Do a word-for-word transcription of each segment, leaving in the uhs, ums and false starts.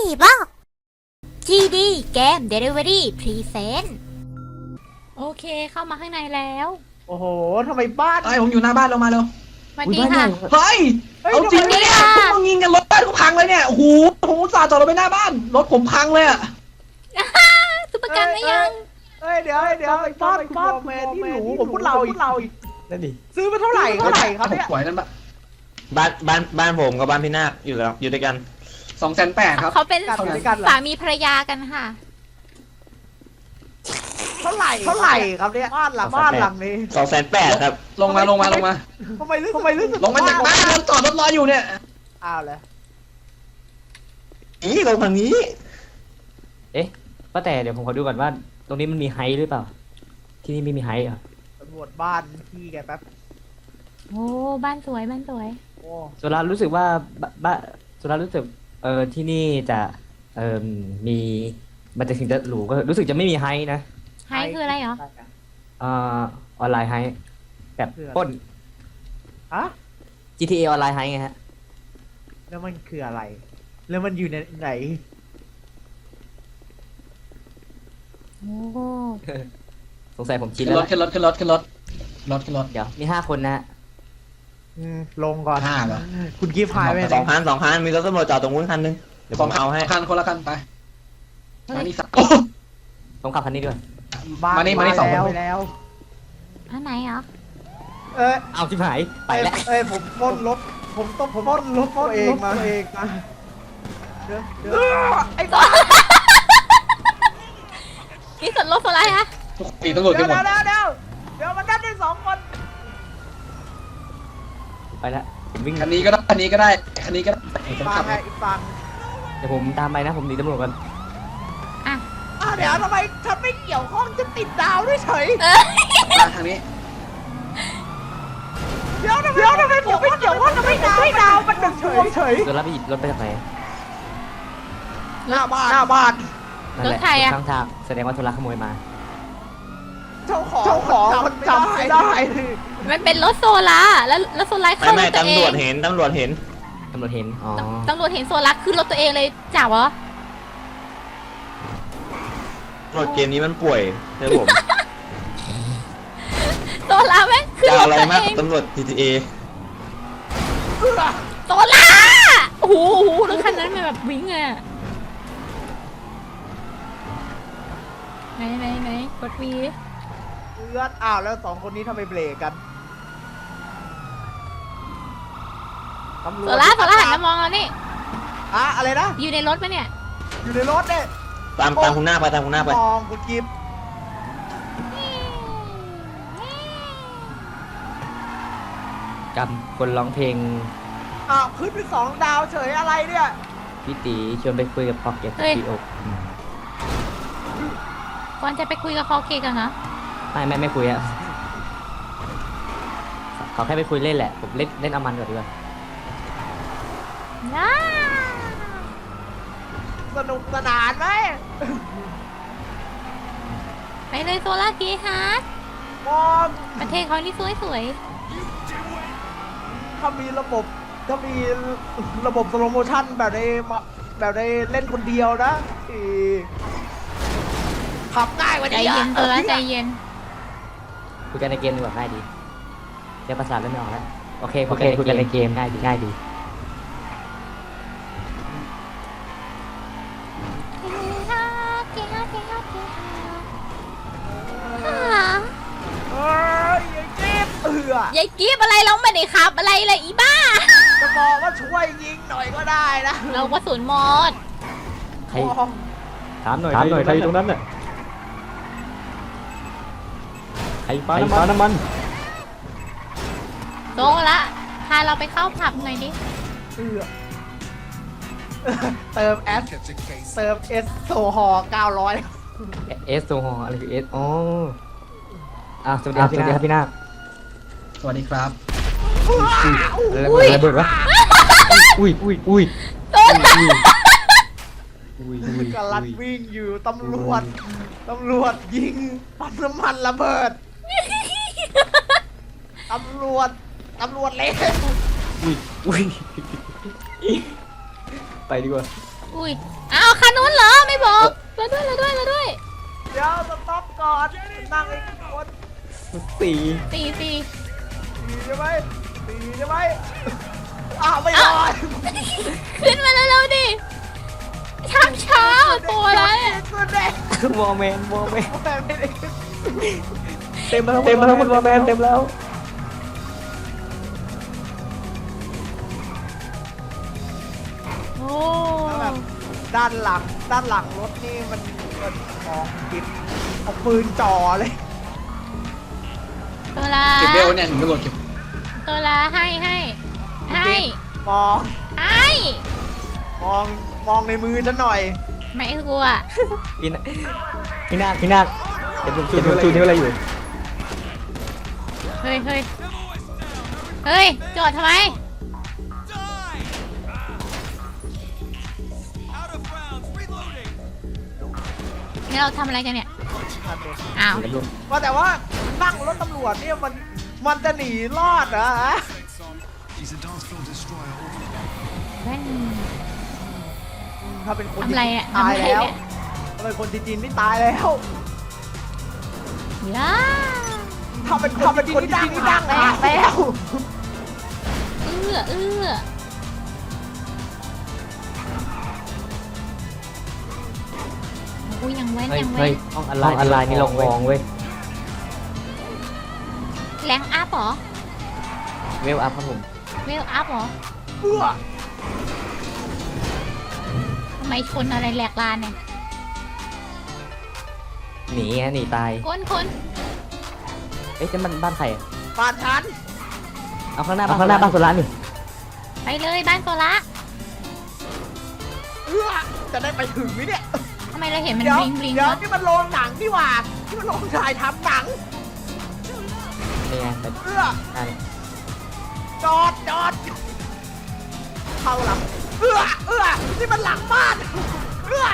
บอก จี ดี เกม Delivery Present โอเคเข้ามาข้างในแล้วโอ้โหทำไมบ้านไอ้ผมอยู่หน้าบ้านลงมาเร็วสวัสดีค่ะเฮ้ยเอาจริงไหมเนี่ยพวกมึงยิงกันรถบ้านกูพังเลยเนี่ยโอ้โหผมอุตส่าห์จอดรถไปหน้าบ้านรถผมพังเลยอะสุประกันไม่ยังเฮ้ยเดี๋ยวเดี๋ยวไอ้บ้านบ้านแมนที่หนูผมพูดเราอีกเราอีกนั่นดิซื้อมาเท่าไหร่เท่าไหร่ครับผมเนี่ยสวยนั่นปะบ้านบ้านบ้านผมกับบ้านพี่นาคอยู่แล้วอยู่ด้วยกันสองแสนแปดครับเขาเป็นกันด้วยกันเหรอสามีภรรยากันค่ะเท่าไหร่เท่าไหร่ครับเนี่ยบ้านหลังบ้านหลังนี้สองแสนแปดครับลงมาลงมาลงมาทำไมรู้ทำไมรู้สึกลงมาจากบ้านแล้วจอดรถรออยู่เนี่ยอ้าวเลยนี่ลงทางนี้เอ๊ะป้าแต่เดี๋ยวผมขอดูก่อนว่า ตรงนี้มันมีไฮท์หรือเปล่า ที่นี่ไม่มีไฮท์เหรอตำรวจบ้านพี่แกแป๊บโอ้บ้านสวยบ้านสวยโอ้โซลารู้สึกว่าบ้าบ้าโซลารู้สึกเออที่นี่จะเออมีมันจะถึงจะหรูก็รู้สึกจะไม่มีไฮท์นะไฮคืออะไรเหรอเอ่อออนไลน์ไฮท์แบบปล้นฮะจี ที เอ ออนไลน์ไฮท์ไงฮะแล้วมันคืออะไร แล้วมันอยู่ในไหนโอ้สงสัยผมชินขึ้นแล้วรถขึ้นรถขึ้นรถขึ้นรถรถขึ้นรถเดี๋ยวมีห้าคนนะฮะอืมลงก่อนห้าเหรอคุณกิฟต์หายไปไหสนองคันสองคันมีรถตำรวจจอดตรงนู้นคันนึงเดี๋ยวผมเอาให้คันคนละคันไปมานี่สักผมขับคันนี้ด้วยบ้านมานี่มานี่สองคนไปแล้วอันไหนเหรอเอ้ยเอาชิบหายไปแล้วเอ้ยผมปล้นรถผมต้องผมปล้นรถตัวเองมาเองมาเดี๋ยวเดี๋ยวไอ้บ้านี่ส่วนลดส่วนอะไรคะทุกตีตำรวจเดี๋กัยนวหมดเดี๋ยวเดี๋ยวเดี๋ยวมันนัดได้สองคนไปแล้วผมวิ่งคันนี้ก็ได้คันนี้ก็ได้คันนี้ก็ได้ผมฟัขังบไงอีกฟังเดี๋ยวผมตามไปนะผมหนีตำรวจกันอ่ะอ้าวเดี๋ยวทำไมฉันไม่เกี่ยวข้องจะติดดาวด้วยเฉยเออมาทางนี้เดี๋ยวทำไมเดี๋ยวทำไมผมไม่เกี่ยวข้องจะไม่ดาวไม่ดาวมันหนึ่งดวงเฉยโซลาไปหยิบรถไปจากไหนหน้าบ้านหน้าบ้านนั่นแหละข้างทางแสดงว่าโซลาขโมยมาเจ้าของเจ้าของมันจำไม่ได้มันเป็นรถโซล่าแล้วแล้วโซล่าไม่เข้ารไม่ถตัวเอตำรวงจเห็นตำรวจเห็นตำรวจเห็น อ๋อตำรวจเห็นโซล่าขึ้นรถตัวเองเลยจ๋าเหรอตำรวจเกมนี้มันป่วยเชื่อผมโซล่าแม่งขึ้นจะรถอะไรตัวมากเองตำรวจ ที ที เอโซล่าโอ้โหโอ้โหรถคันนั้นมันแบบวิ่งอะไหนไหนไหนกดวีเลือดอ้าวแล้วสองคนนี้ทำไมเบรกกันตำรวโซจล่าโซล่าหันมามองเรานี่อะอะไรนะอยู่ในรถปะเนี่ยอยู่ในรถเนี่ยตามตามคุณหน้าไปตามคุณหน้าไปมองคุณกิฟต์กับคนร้องเพลงอ้าวขึ้นเป็นสองดาวเฉยอะไรเนี่ยพี่ตีชวนไปคุยกับพอกเก็ตที่อกก่อนจะไปคุยกับคอเคกันนะไม่ไม่ไม่คุยอะเขาแค่ไปคุยเล่นแหละ ผมเล่นเล่นเอามันก่อนดีกว่าน้าสนุกสนานไหมไปเลยโซล่ากีฮาร์ดมองประเทศเขานี่สวยสวยถ้ามีระบบถ้ามีระบบสโลโมชั่นแบบในแบบในเล่นคนเดียวนะอีขับง่ายกว่าใจนี้เย็นโซล่าใจเย็นคุยกันในเกมดีกว่าง่ายดีใช้ภาษาเล่นไม่ออกแล้ว โอเคคุยกันในเกมง่ายดีง่ายดีกีฮาร์ดกีฮาร์ดกีฮาร์ดกีฮาร์ดเอ้ยไอ้จิ๊บเอือยายกีบอะไรเราไม่ได้ขับอะไรเลยอีบ้าจะบอกว่าช่วยยิงหน่อยก็ได้นะเรากระสุนหมดใครมองถามหน่อยถามหน่อยใครตรงนั้นน่ะใครปาน้ำมันน้ำมันโซละพาเราไปเข้าผับหน่อยดิเอือเติมแอสเติมเอสโซฮอเก้าร้อยเอสโซฮออะไรคือเอสอ๋ออ่ะสวัสดีครับสวัสดีครับพี่นาคสวัสดีครับอะไรระเบิดวะอุ้ยอุ้ยอุ้ยโซละอุ้ยอุ้ยกำลังวิ่งอยู่ตำรวจตำรวจยิงปั๊มน้ำมันระเบิดตำรวจตำรวจเละอุ้ยอุ้ยไปดีกว่าอุ้ย เอ้าคันนู้นเหรอไม่บอกเราด้วยเราด้วยเราด้วยเดี๋ยวสต็อปก่อนนั่งไอ้คนสี่ตีตีตีใช่ไหมตีใช่ไหมอ้าวไม่รอดขึ้นมาแล้วเร็วๆดิช้าช้าตัวอะไรอะตัวแดงวอร์แมนวอร์แมนแต่ไม่ได้เต็มแล้วเต็มแล้วคุณวอร์แมนเต็มแล้วโอ้แล้วแบบด้านหลังด้านหลังรถนี่มันมันมองกินเอาปืนจ่อเลยตัวละเก็บเบลเนี่ยถึงกระโดดเก็บตัวละให้ให้ให้มองให้มองมองในมือฉันหน่อยไม่กลัวพี่นาพี่นาคพี่นาคเดี๋ยวผมชูชูนิ้วอะไรอยู่เฮ้ยเฮ้ยเฮ้ยจอดทำไมนี่เราทำอะไรกันเนี่ยอ้าวว่าแต่ว่านั่งรถตำรวจเนี่ยมันมันจะหนีรอดเหรอฮะแว่นถ้าเป็นคนทำอะไรอ่ะตายทำอะไรแล้วเนี่ยถ้าเป็นคนจีนๆนี่ตายแล้วย่าถ้าเป็นถ้าเป็นคนจีนๆนี่ดังแล้วแล้วเอื้อเอื้ออุ้ยยังแว่นเฮ้ยยังแว่เฮ้ยนห้องอะไรห้องอะไรนี่ลงวองเว้ยแรงอัพเหรอเวลอัพครับผมเวลอัพเหรอเพื่อทำไมชนอะไรแหลกลานเนี่ยหนีฮะหนีตายคนคนเอ๊ะจะมันบ้านใครอะบ้านฉันเอาข้างหน้าเอาข้างหน้าบ้านโซล่านี่ไปเลยบ้านโซล่าเพื่อจะได้ไปถึงไหมเนี่ยทำไมเราเห็นมันเดี๋ยวบลิงบลิงเดี๋ยววะนี่มันโรงหนังนี่หว่าที่มันโรงถ่ายทำหนังนี่ไงแต่เพื่อหน้านี่จอดจอดเข้าหลังเอื้อเอื้อนี่มันหลังบ้านเอื้อ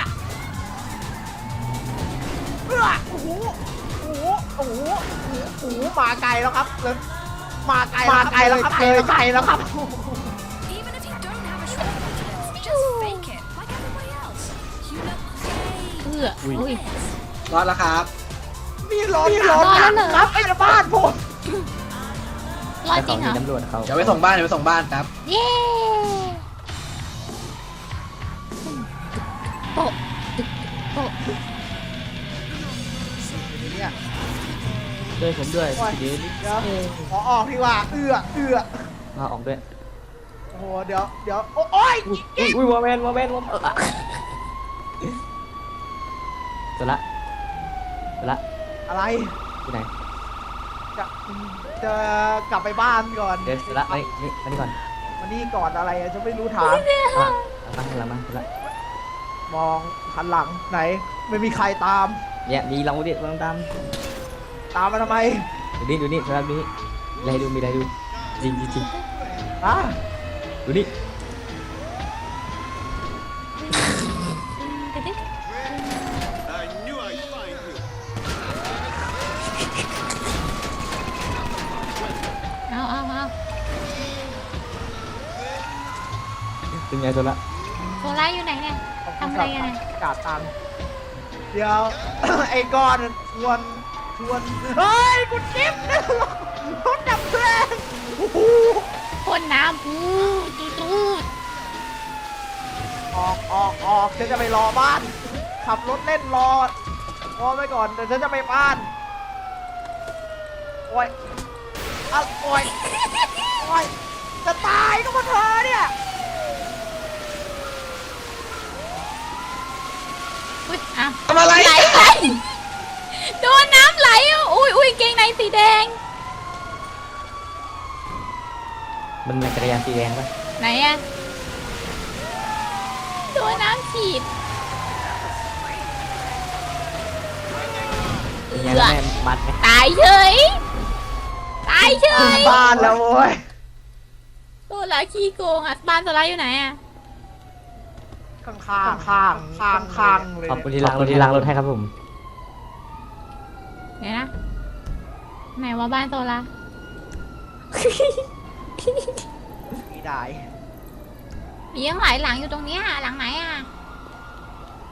เอื้อโอ้โหโอ้โหโอ้โหโอ้โหมาไกลแล้วครับเลยมาไกลมาไกลแล้วครับเลยไกลแล้วครับ Even if you don't have a shred of confidence, just fake it, like everybody else. You look great. เอื้ออุ้ยรอดแล้วครับนี่รถนี่รถหนังเหรอครับไอ้บ้านผมรอดแล้วจริเขางเหรอมีตำรวจเขาเดี๋ยวไปส่งบ้านเดี๋ยวไปส่งบ้านครับเย้โปะตึกโปะเนี่ยช่วยผมด้วยโอ้ยเดี๋ยวนี้เดี๋ยวขอออกดีกว่าเอื้อเอื้อมาออกด้วยโอ้โหเดี๋ยวเดี๋ยวโอ้ยอุ้ยอุ้ยวอร์แมนวอร์แมนวอร์แมนโซล่าโซล่าอะไรที่ไหนจะจะกลับไปบ้านก่อนเดี๋ยวโซล่านี่นี่มานี่ก่อนมานี่ก่อนอะไรอะฉันไม่รู้ทางมาเอามาหลังมาโซล่ามองหันหลังไหน ไม่มีใครตามเนี่ยมีเราดิลองตามตามมาทำไมดูนี่ดูนี่โซล่าดูนี่มีอะไรดูมีอะไรดูจริงจริงจริงอะดูนี่เอาเอาเอาเป็นไงโซล่าโซล่าอยู่ไหนเนี่ย ทำอะไรกันเนี่ยกาดตังค์เดี๋ยว ไอ้ก้อนชวนชวนเฮ้ยคุณจิ๊บรถดับเพลิงโอ้โหพ่นน้ำปูตูดตูดออกออกออกฉันจะไปรอบ้าน ขับรถเล่นรอรอไว้ก่อนเดี๋ยวฉันจะไปบ้านโอ้ยอะโอ้ยโอ้ยจะตายก็เพราะเธอเนี่ยอุ้ยอ้าวทำอะไรไหลไหลโดนน้ำไหลอ่ะอุ้ยอุ้ยเกงในสีแดงมันเป็นจักรยานสีแดงปะไหนอะโดนน้ำฉีดเป็นไงแม่มัดไงตายเฉย ตายเฉยบ้านแล้วโว้ยโซล่าขี้โกงอ่ะบ้านโซล่าอยู่ไหนอ่ะข้างข้างข้างข้างข้างเลยขอบคุณที่ล้างรถที่ล้างรถให้ครับผมไหนนะ ไหนว่าบ้านโซล่าไม่ได้มียังหลายหลังอยู่ตรงเนี้ยหลังไหนอ่ะ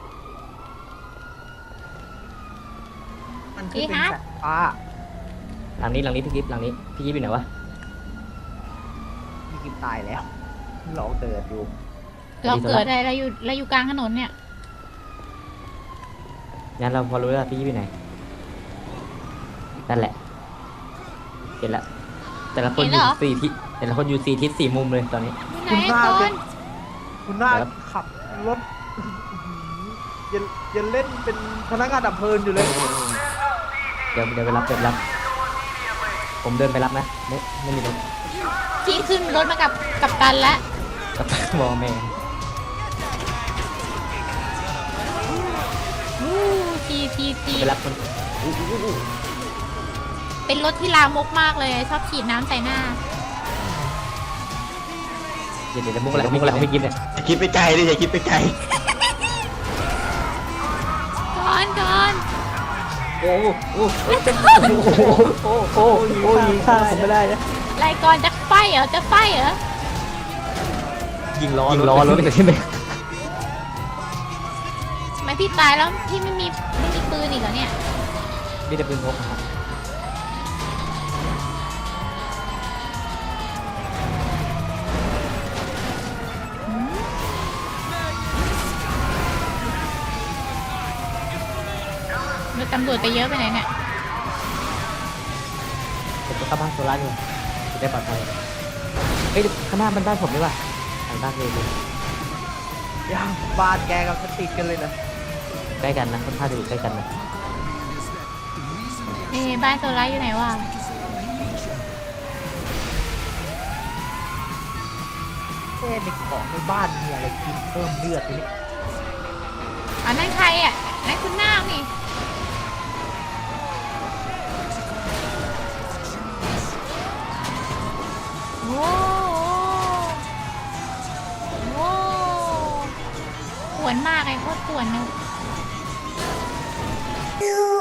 พี่ฮัทฟ้าหลังนี้หลังนี้พี่กิฟหลังนี้พี่กิฟอยู่ไหนวะพี่กิมตายแล้วเราเกิดอยู่เราเกิดอะไรเราอยู่เราอยู่กลางถนนเนี่ยงั้นเราพอรู้แล้วพี่กิฟอยู่ไหนนั่นแหละเห็นละแต่ละคนอยู่สี่ทิศแต่ละคนอยู่สี่ทิศสี่มุมเลยตอนนี้ไหนก่อนคุณน่าครับขับรถยังยังเล่นเป็นพนักงานดับเพลิงอยู่เลยเดี๋ยวเดี๋ยวไปรับเดี๋ยวไปรับ ผมเดินไปรับนะไม่ไม่มีรถพี่ขึ้นรถมากับกับตันแล้วกับวอลแมนอู้ทีทีทีไปรับคนอู้อู้อู้อู้เป็นรถที่ลามกมากเลยชอบฉีดน้ำใส่หน้าเดี๋ยวเดี๋ยวมุกอะไรมุกอะไรของพี่กิฟเนี่ยอย่าคิดไปไกลดิอย่าคิดไปไกลก่อนก่อนโอ้โหโอ้โหโอ้โหโอ้โหยิงข้างผมไม่ได้นะไรก่อนจะไฟเหรอจะไฟเหรอยิงล้อยิงล้อรถเลยใช่ไหมทำไมพี่ตายแล้วพี่ไม่มีไม่มีปืนอีกเหรอเนี่ยนี่จะปืนพกนะครับรถตำรวจไปเยอะไปไหนเนี่ยผมจะเข้าบ้านโซล่าอยู่จะได้ปลอดภัยเอ้ยข้างหน้ามันบ้านผมดีกว่าทางบ้านเลยเลยย่างบ้านแกกับสติดกันเลยนะใกล้กันนะค่อนข้างจะอยู่ใกล้กันนะเอ้บ้านโซล่าอยู่ไหนวะเอ๊ะในของในบ้านมีอะไรกินเพิ่มเลือดนี่อ๋อนั่นใครอ่ะนั่นคุณนาคนี่โอ้โหปวดมากไอ้โคตรปวดเลย